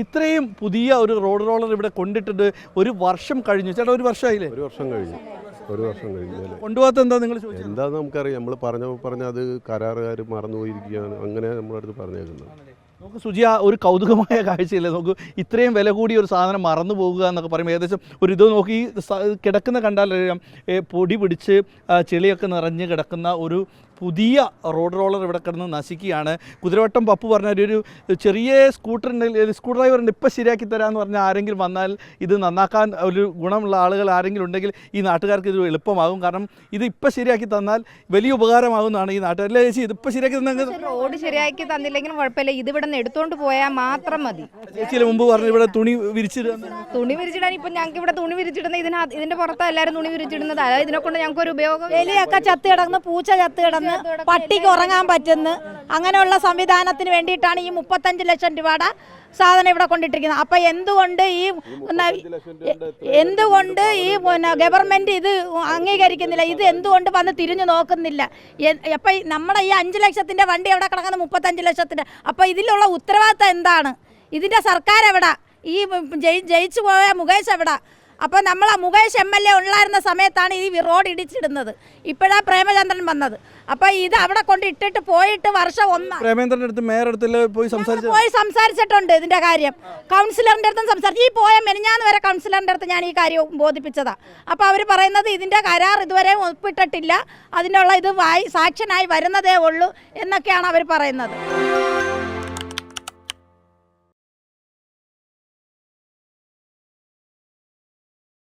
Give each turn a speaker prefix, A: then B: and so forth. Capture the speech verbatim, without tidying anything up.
A: ഇത്രയും പുതിയ ഒരു റോഡ് റോളർ ഇവിടെ കൊണ്ടിട്ടിട്ട് ഒരു വർഷം കഴിഞ്ഞു. ചേട്ടാ ഒരു വർഷമായില്ലേ?
B: ഒരു വർഷം കഴിഞ്ഞു ഒരു വർഷം കഴിഞ്ഞാൽ
A: കൊണ്ടുപോകാത്ത എന്താ നിങ്ങൾ ചോദിച്ചത്?
B: എന്താണെന്ന് നമുക്കറിയാം. നമ്മൾ പറഞ്ഞ പറഞ്ഞ അത് കരാറുകാർ മറന്നുപോയിരിക്കുകയാണ്, അങ്ങനെ നമ്മളടുത്ത് പറഞ്ഞേക്കുന്നത്.
A: നമുക്ക് സുജിയ ഒരു കൗതുകമായ കാഴ്ചയില്ലേ? നമുക്ക് ഇത്രയും വില കൂടിയ ഒരു സാധനം മറന്നു പോകുക എന്നൊക്കെ പറയുമ്പോൾ ഏകദേശം ഒരു ഇത് നോക്കി കിടക്കുന്ന കണ്ടാലറിയാം, പൊടി പിടിച്ച് ചെളിയൊക്കെ നിറഞ്ഞ് കിടക്കുന്ന ഒരു പുതിയ റോഡ് റോളർ ഇവിടെ കിടന്ന് നശിക്കുകയാണ്. കുതിരവട്ടം പപ്പു പറഞ്ഞ ഒരു ചെറിയ സ്കൂട്ടറിൻ്റെ സ്ക്രൂ ഡ്രൈവറിൻ്റെ ഇപ്പം ശരിയാക്കി തരാമെന്ന് പറഞ്ഞാൽ ആരെങ്കിലും വന്നാൽ ഇത് നന്നാക്കാൻ ഒരു ഗുണമുള്ള ആളുകൾ ആരെങ്കിലും ഉണ്ടെങ്കിൽ ഈ നാട്ടുകാർക്ക് ഇത് എളുപ്പമാകും. കാരണം ഇത് ഇപ്പം ശരിയാക്കി തന്നാൽ വലിയ ഉപകാരമാകുന്നതാണ് ഈ നാട്ടുകാരിലെ. ചേച്ചി ഇതിപ്പോൾ ശരിയാക്കി തന്നെ
C: റോഡ് ശരിയാക്കി തന്നില്ലെങ്കിലും കുഴപ്പമില്ല, ഇത് ഇവിടെ നിന്ന് എടുത്തോണ്ട് പോയാൽ മാത്രം മതി.
A: ചേച്ചിയിൽ മുമ്പ് പറഞ്ഞു ഇവിടെ തുണി വിരിച്ചിടുക.
C: തുണി വിരിച്ചിടാൻ ഇപ്പം ഞങ്ങൾക്ക് ഇവിടെ തുണി വിരിച്ചിടുന്ന ഇതിനകത്ത് ഇതിന്റെ പുറത്താണ് എല്ലാവരും തുണി വിരിച്ചിടുന്നത്. അതായത് ഇതിനെ കൊണ്ട് ഞങ്ങൾക്ക് ഒരു ഉപയോഗം.
D: എലിയൊക്കെ ചത്ത് കിടന്ന്, പൂച്ച ചത്ത് കിടന്ന്, പട്ടിക്ക് ഉറങ്ങാൻ പറ്റുന്ന അങ്ങനെയുള്ള സംവിധാനത്തിന് വേണ്ടിയിട്ടാണ് ഈ മുപ്പത്തഞ്ച് ലക്ഷം രൂപയുടെ സാധനം ഇവിടെ കൊണ്ടിട്ടിരിക്കുന്നത്. അപ്പം എന്തുകൊണ്ട് ഈ എന്തുകൊണ്ട് ഈ പിന്നെ ഗവൺമെൻറ് ഇത് അംഗീകരിക്കുന്നില്ല? ഇത് എന്തുകൊണ്ട് വന്ന് തിരിഞ്ഞു നോക്കുന്നില്ല? അപ്പം നമ്മുടെ ഈ അഞ്ച് ലക്ഷത്തിൻ്റെ വണ്ടി എവിടെ കിടക്കുന്നത്? മുപ്പത്തഞ്ച് ലക്ഷത്തിൻ്റെ. അപ്പം ഇതിലുള്ള ഉത്തരവാദിത്തം എന്താണ്? ഇതിൻ്റെ സർക്കാർ എവിടെ? ഈ ജയിച്ചു പോയ മുകേഷ് എവിടെ? അപ്പോൾ നമ്മൾ ആ മുകേഷ് എം എൽ എ ഉള്ളായിരുന്ന സമയത്താണ് ഈ റോഡ് ഇടിച്ചിടുന്നത്. ഇപ്പോഴാണ് പ്രേമചന്ദ്രൻ വന്നത്. അപ്പോൾ ഇത് അവിടെ കൊണ്ട് ഇട്ടിട്ട് പോയിട്ട് വർഷം ഒന്ന്
A: പ്രേമേന്ദ്രൻ്റെ അടുത്ത് മേയർ അടുത്ത് പോയി സംസാരിച്ചു
D: പോയി സംസാരിച്ചിട്ടുണ്ട് ഇതിൻ്റെ കാര്യം. കൗൺസിലറിൻ്റെ അടുത്തും സംസാരിച്ചു. ഈ പോയ മെനിഞ്ഞാന്ന് വരെ കൗൺസിലറിൻ്റെ അടുത്ത് ഞാൻ ഈ കാര്യം ബോധിപ്പിച്ചതാണ്. അപ്പോൾ അവർ പറയുന്നത് ഇതിൻ്റെ കരാർ ഇതുവരെ ഒപ്പിട്ടിട്ടില്ല, അതിനുള്ള ഇത് വായി സാക്ഷനായി വരുന്നതേ ഉള്ളൂ എന്നൊക്കെയാണ് അവർ പറയുന്നത്.